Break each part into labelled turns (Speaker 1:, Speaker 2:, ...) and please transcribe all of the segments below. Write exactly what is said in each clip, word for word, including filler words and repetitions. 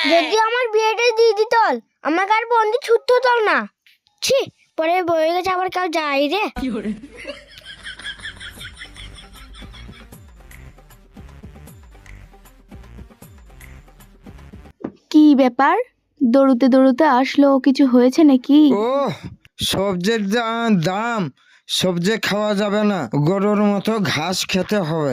Speaker 1: যদি আমার বিয়েটা দিয়ে দিত আমাকে আর বন্দি ছুটতে হতো না। ছি, পরে বয়ে গেছে আবার কেউ যাই রে।
Speaker 2: কি ব্যাপার, দৌড়তে দৌড়তে আসলো, কিছু হয়েছে নাকি?
Speaker 3: ও সবজির যা দাম, সবজি খাওয়া যাবে না, গরুর মতো ঘাস খেতে হবে।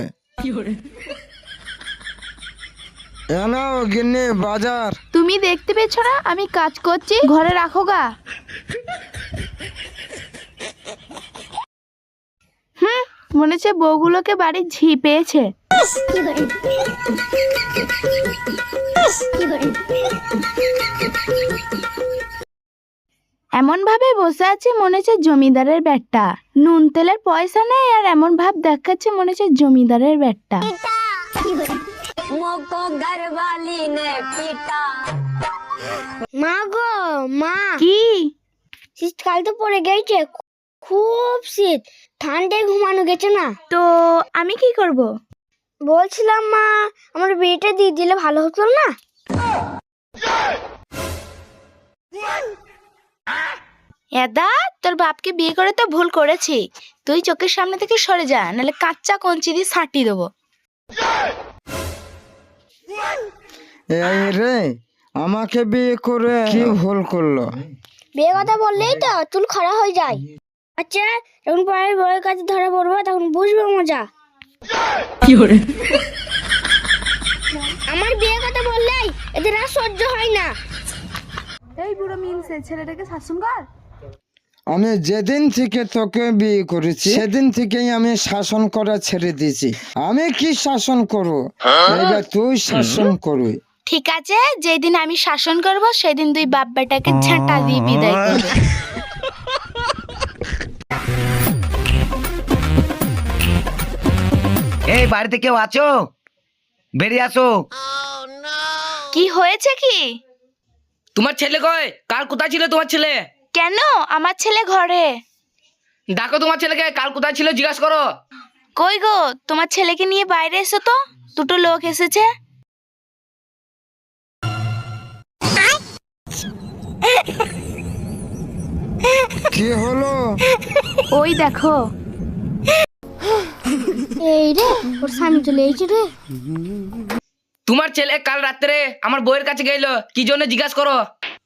Speaker 3: এনাও গিন্নি বাজার।
Speaker 2: তুমি দেখতে পেয়েছো না আমি কাজ করছি? ঘরে রাখো গা। হুম, মনে হচ্ছে বউগুলোকে বাড়ির ঝি পেয়েছে। এমন ভাবে বসে আছে মনে হচ্ছে জমিদারের ব্যাটটা। নুন তেলের পয়সা নেই আর এমন ভাব দেখাচ্ছে মনে হচ্ছে জমিদারের ব্যাটটা।
Speaker 1: মা গো মা,
Speaker 2: কি?
Speaker 1: শীতকাল তো পড়ে গেছে, খুব শীত, ঠান্ডায় ঘুমানো গেছে না।
Speaker 2: তো আমি কি করব?
Speaker 1: বলছিলাম মা, আমার বিয়েটা দিয়ে দিলে ভালো হতো না?
Speaker 2: এদা, তোর বাপকে বিয়ে করে তো ভুল করেছি। তুই চোখের সামনে থেকে সরে যা, নাহলে কাঁচা কঞ্চি দিয়ে ছাঁটি দেবো।
Speaker 3: এই রে, আমাকে বিয়ে করে কি ভুল করলো?
Speaker 1: বিয়ে কথা বললেই তো চুল খাড়া হয়ে যায়। আচ্ছা, যখন পরে বউয়ের কাছে ধরা পড়বো তখন বুঝবো মজা। আমার বিয়ে কথা বললেই এদের আর সহ্য হয় না।
Speaker 2: এই বুড়ো মিনসে, ছেলেটাকে শাসন কর।
Speaker 3: আমি যেদিন থেকে তোকে বিয়ে করেছি সেদিন থেকেই আমি শাসন করা ছেড়ে দিয়েছি। আমি কি শাসন করবো, এবার তুই শাসন করবি।
Speaker 2: ঠিক আছে, যেদিন আমি শাসন করব সেদিন তুই বাপ বেটাকে ঝাঁটা দিয়ে বিদায় করবি।
Speaker 4: এই বাড়িতে কেউ আছো? বেরিয়ে আসো।
Speaker 2: কি হয়েছে কি?
Speaker 5: তোমার ছেলে কই? কাল কোথায় ছিল তোমার ছেলে?
Speaker 2: কেন? আমার ছেলে ঘরে।
Speaker 5: ডাকো তোমার ছেলেকে, কাল কোথায় ছিল জিজ্ঞাসা করো।
Speaker 2: কই গো, তোমার ছেলেকে নিয়ে বাইরে এসো তো, দুটো লোক এসেছে।
Speaker 3: কি হলো?
Speaker 2: ওই দেখো।
Speaker 1: এই রে, ওর স্বামী চলে এসেছে রে।
Speaker 5: তোমার ছেলে কাল রাত্রে আমার বউয়ের কাছে গেল, কি জন্য জিজ্ঞাসা করো।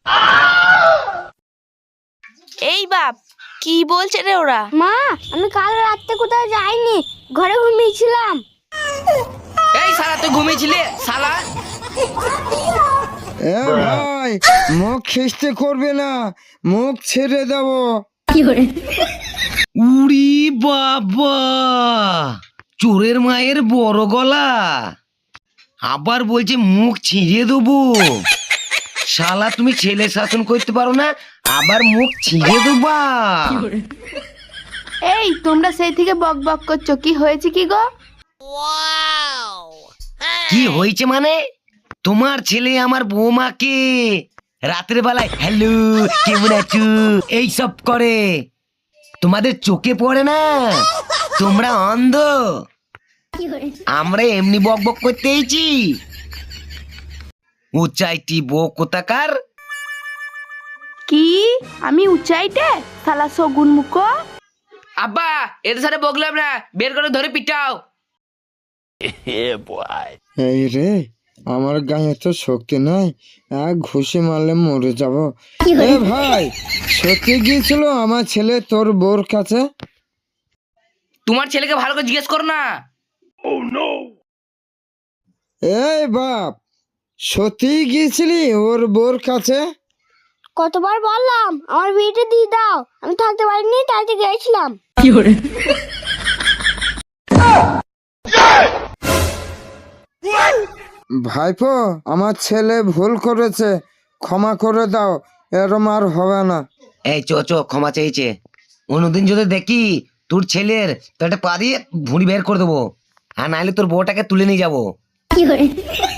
Speaker 2: এই বাপ, কি বলছে রে ওরা?
Speaker 1: মা, আমি কাল রাতে কোথাও যাইনি, ঘরে ঘুমিয়েছিলাম।
Speaker 5: এই শালা, তুই ঘুমিয়েছিলি শালা?
Speaker 3: এ ভাই, মুখ খিস্তে করবে না, মুখ ছেড়ে দেবো।
Speaker 4: উড়ি বাবা, চোরের মায়ের বড় গলা, আবার বলছে মুখ ছিঁড়ে দেবো। শালা, তুমি ছেলে শাসন করতে পারো না, আবার মুখ ছিঁড়ে দেবা।
Speaker 2: এই, তোমরা সেই থেকে বক বক করছো, কি হয়েছে কি গো?
Speaker 4: কি হয়েছে মানে? তোমার ছেলে আমার বৌমাকে রাতের বেলায় হ্যালো কেমন আছো এইসব করে। তোমাদের চোখে পড়ে না? তোমরা অন্ধ? আমরা এমনি বক বক করতে এইছি? উচ্চাইটি বউ কোথাকার।
Speaker 2: কি? আমি উচ্চাইটে? শালা শগুন মুখো।
Speaker 5: আব্বা, এদের সাথে বকলাম না, বের করে ধরে পিটাও।
Speaker 3: এই রে, আমার গায়ে তো শক্তি নাই, এক ঘুষি মারলে মরে যাব। এ ভাই, সত্যি গিয়েছিল আমার ছেলে তোর বউর কাছে?
Speaker 5: তোমার ছেলেকে ভালো করে জিজ্ঞেস করো না।
Speaker 3: এই বাপ, সত্যি গিয়েছিলি ওর বউর কাছে?
Speaker 1: কতবার বললাম আমার বিয়েটা দিয়ে দাও, আমি থাকতে পারিনি তাই তো গেছিলাম।
Speaker 3: ভাইপো, আমার ছেলে ভুল করেছে, ক্ষমা করে দাও, এরম আর হবে না।
Speaker 4: এই চো চো, ক্ষমা চাইছে। অন্যদিন যদি দেখি তোর ছেলের, তো একটা পা দিয়ে ভুঁড়ি বের করে দেবো, আর নাহলে তোর বউটাকে তুলে নিয়ে যাবো।